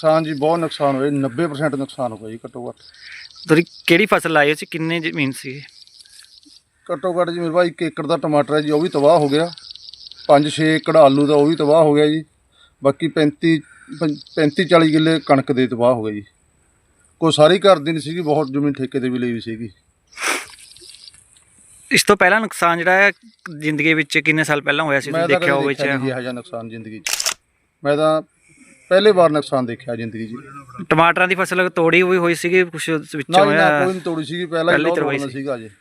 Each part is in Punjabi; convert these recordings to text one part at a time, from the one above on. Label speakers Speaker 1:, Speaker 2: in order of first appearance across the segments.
Speaker 1: ਨੁਕਸਾਨ ਜੀ ਬਹੁਤ ਨੁਕਸਾਨ ਹੋਇਆ, 90% ਨੁਕਸਾਨ ਹੋਇਆ ਜੀ ਘੱਟੋ ਘੱਟ।
Speaker 2: ਤੁਸੀਂ ਕਿਹੜੀ ਫਸਲ ਲਾਈ ਸੀ, ਕਿੰਨੇ ਜ਼ਮੀਨ ਸੀ?
Speaker 1: ਘੱਟੋ ਘੱਟ ਜੀ ਮੇਰੇ ਭਾਈ 1 ਏਕੜ ਦਾ ਟਮਾਟਰ ਹੈ ਜੀ, ਉਹ ਵੀ ਤਬਾਹ ਹੋ ਗਿਆ। 5-6 ਏਕੜ ਆਲੂ ਦਾ ਉਹ ਵੀ ਤਬਾਹ ਹੋ ਗਿਆ ਜੀ। ਬਾਕੀ 35-40 ਕਿੱਲੇ ਕਣਕ ਦੇ ਤਬਾਹ ਹੋ ਗਏ ਜੀ। ਕੋਈ ਸਾਰੀ ਘਰ ਦੀ ਨਹੀਂ ਸੀਗੀ, ਬਹੁਤ ਜ਼ਮੀਨ ਠੇਕੇ 'ਤੇ ਵੀ ਲਈ ਵੀ ਸੀਗੀ।
Speaker 2: ਇਸ ਤੋਂ ਪਹਿਲਾਂ ਨੁਕਸਾਨ ਜਿਹੜਾ ਹੈ ਜ਼ਿੰਦਗੀ ਵਿੱਚ ਕਿੰਨੇ ਸਾਲ ਪਹਿਲਾਂ ਹੋਇਆ ਸੀ,
Speaker 1: ਮੈਂ
Speaker 2: ਤੁਸੀਂ
Speaker 1: ਤਾਂ
Speaker 2: ਦੇਖਿਆ
Speaker 1: ਕਦੇ
Speaker 2: ਹੋਵੇ?
Speaker 1: ਦੇਖਿਆ ਨਹੀਂ ਇਹੋ ਜਿਹਾ ਨੁਕਸਾਨ ਜ਼ਿੰਦਗੀ 'ਚ। ਮੈਂ ਤਾਂ ਪਹਿਲੇ ਵਾਰ ਨੁਕਸਾਨ ਦੇਖਿਆ ਜ਼ਿੰਦਗੀ 'ਚ।
Speaker 2: ਟਮਾਟਰਾਂ ਦੀ ਫਸਲ ਤੋੜੀ ਹੋਈ ਸੀਗੀ ਕੁਛ ਵਿੱਚੋਂ
Speaker 1: ਨਾ
Speaker 2: ਹੋਇਆ?
Speaker 1: ਕੋਈ ਨਹੀਂ ਤੋੜੀ ਸੀਗੀ, ਪਹਿਲਾਂ ਹੀ
Speaker 2: ਤਰਵਾਈ
Speaker 1: ਬਹੁਤ ਸੀਗਾ ਜੀ।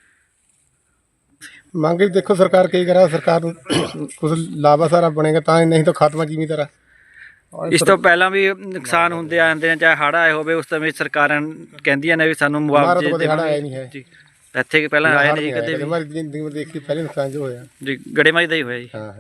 Speaker 3: ਮੰਗ ਦੇਖੋ ਸਰਕਾਰ ਕੀ ਕਰਾ, ਸਰਕਾਰ ਨੂੰ ਕੁਝ ਲਾਭਾ ਸਾਰਾ ਬਣੇਗਾ ਤਾਂ ਹੀ, ਨਹੀਂ ਤਾਂ ਖਾਤਮਾ ਜਿਵੇਂ ਤਰ੍ਹਾਂ।
Speaker 2: ਇਸ ਤੋਂ ਪਹਿਲਾਂ ਵੀ ਨੁਕਸਾਨ ਹੁੰਦੇ ਆਉਂਦੇ ਨੇ, ਚਾਹੇ ਹੜ੍ਹ ਆਏ ਹੋਵੇ, ਉਸ ਸਮੇਂ ਸਰਕਾਰਾਂ ਕਹਿੰਦੀਆਂ ਨੇ ਵੀ ਸਾਨੂੰ ਮੁਆਵਜ਼ੇ
Speaker 3: ਆਇਆ ਨਹੀਂ ਹੈ
Speaker 2: ਜੀ। ਇੱਥੇ ਪਹਿਲਾਂ ਆਇਆ ਨਹੀਂ ਕਦੇ ਵੀ?
Speaker 3: ਹਮਾਰੀ ਜ਼ਿੰਦਗੀ ਵਿੱਚ ਦੇਖੀ ਪਹਿਲੇ ਨੁਕਸਾਨ ਜੋ ਹੋਇਆ
Speaker 2: ਜੀ, ਗੜੇਮਾਰੀ ਦਾ ਹੀ ਹੋਇਆ ਜੀ।
Speaker 3: ਹਾਂ।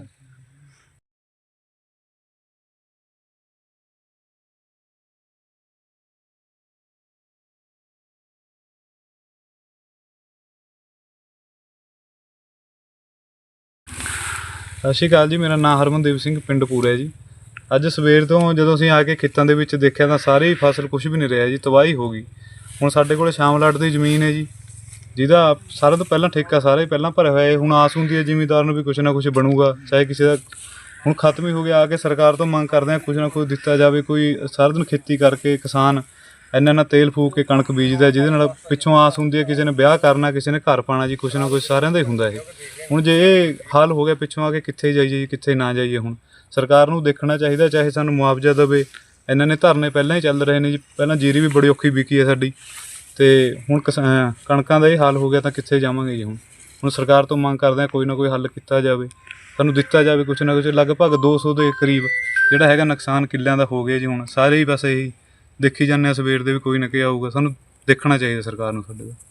Speaker 4: ਸਤਿ ਸ਼੍ਰੀ ਅਕਾਲ ਜੀ, ਮੇਰਾ ਨਾਮ ਹਰਮਨਦੀਪ ਸਿੰਘ, ਪਿੰਡ ਪੂਰਾ ਜੀ। ਅੱਜ ਸਵੇਰ ਤੋਂ ਜਦੋਂ ਅਸੀਂ ਆ ਕੇ ਖੇਤਾਂ ਦੇ ਵਿੱਚ ਦੇਖਿਆ ਤਾਂ ਸਾਰੀ ਫਸਲ ਕੁਝ ਵੀ ਨਹੀਂ ਰਿਹਾ ਜੀ, ਤਬਾਹੀ ਹੋ ਗਈ। ਹੁਣ ਸਾਡੇ ਕੋਲ ਸ਼ਾਮਲਾਟ ਦੀ ਜ਼ਮੀਨ ਹੈ ਜੀ, ਜਿਹਦਾ ਸਾਰਿਆਂ ਤੋਂ ਪਹਿਲਾਂ ਠੇਕਾ ਸਾਰੇ ਪਹਿਲਾਂ ਭਰਿਆ ਹੋਇਆ ਹੈ। ਹੁਣ ਆਸ ਹੁੰਦੀ ਹੈ ਜ਼ਿਮੀਂਦਾਰ ਨੂੰ ਵੀ ਕੁਛ ਨਾ ਕੁਛ ਬਣੂਗਾ, ਚਾਹੇ ਕਿਸੇ ਦਾ ਹੁਣ ਖਤਮ ਹੀ ਹੋ ਗਿਆ। ਆ ਕੇ ਸਰਕਾਰ ਤੋਂ ਮੰਗ ਕਰਦੇ ਹਾਂ ਕੁਛ ਨਾ ਕੁਛ ਦਿੱਤਾ ਜਾਵੇ। ਕੋਈ ਸਾਰਾ ਦਿਨ ਖੇਤੀ ਕਰਕੇ ਕਿਸਾਨ ਇੰਨਾ ਤੇਲ ਫੂਕ ਕੇ ਕਣਕ ਬੀਜਦਾ, ਜਿਹਦੇ ਨਾਲ ਪਿੱਛੋਂ ਆਸ ਹੁੰਦੀ ਹੈ ਕਿਸੇ ਨੇ ਵਿਆਹ ਕਰਨਾ, ਕਿਸੇ ਨੇ ਘਰ ਪਾਉਣਾ ਜੀ, ਕੁਛ ਨਾ ਕੁਛ ਸਾਰਿਆਂ ਦਾ ਹੀ ਹੁੰਦਾ ਇਹ। ਹੁਣ ਜੇ ਇਹ ਹਾਲ ਹੋ ਗਿਆ ਪਿੱਛੋਂ ਆ ਕੇ, ਕਿੱਥੇ ਜਾਈਏ ਜੀ, ਕਿੱਥੇ ਨਾ ਜਾਈਏ। ਹੁਣ ਸਰਕਾਰ ਨੂੰ ਦੇਖਣਾ ਚਾਹੀਦਾ, ਚਾਹੇ ਸਾਨੂੰ ਮੁਆਵਜ਼ਾ ਦੇਵੇ। ਇਹਨਾਂ ਨੇ ਧਰਨੇ ਪਹਿਲਾਂ ਹੀ ਚੱਲ ਰਹੇ ਨੇ ਜੀ, ਪਹਿਲਾਂ ਜੀਰੀ ਵੀ ਬੜੀ ਔਖੀ ਵਿਕੀ ਹੈ ਸਾਡੀ, ਅਤੇ ਹੁਣ ਕਣਕਾਂ ਦਾ ਇਹ ਹਾਲ ਹੋ ਗਿਆ ਤਾਂ ਕਿੱਥੇ ਜਾਵਾਂਗੇ ਜੀ। ਹੁਣ ਸਰਕਾਰ ਤੋਂ ਮੰਗ ਕਰਦੇ ਹਾਂ ਕੋਈ ਨਾ ਕੋਈ ਹੱਲ ਕੀਤਾ ਜਾਵੇ, ਸਾਨੂੰ ਦਿੱਤਾ ਜਾਵੇ ਕੁਛ ਨਾ ਕੁਛ। ਲਗਭਗ 200 ਦੇ ਕਰੀਬ ਜਿਹੜਾ ਹੈਗਾ ਨੁਕਸਾਨ ਕਿੱਲਿਆਂ ਦਾ ਹੋ ਗਿਆ ਜੀ। ਹੁਣ ਸਾਰੇ ਹੀ ਬਸ ਇਹੀ ਦੇਖੀ ਜਾਂਦੇ ਹਾਂ ਸਵੇਰ ਦੇ ਵੀ ਕੋਈ ਨਾ ਕੋਈ ਆਊਗਾ, ਸਾਨੂੰ ਦੇਖਣਾ ਚਾਹੀਦਾ ਸਰਕਾਰ ਨੂੰ ਸਾਡੇ ਦਾ।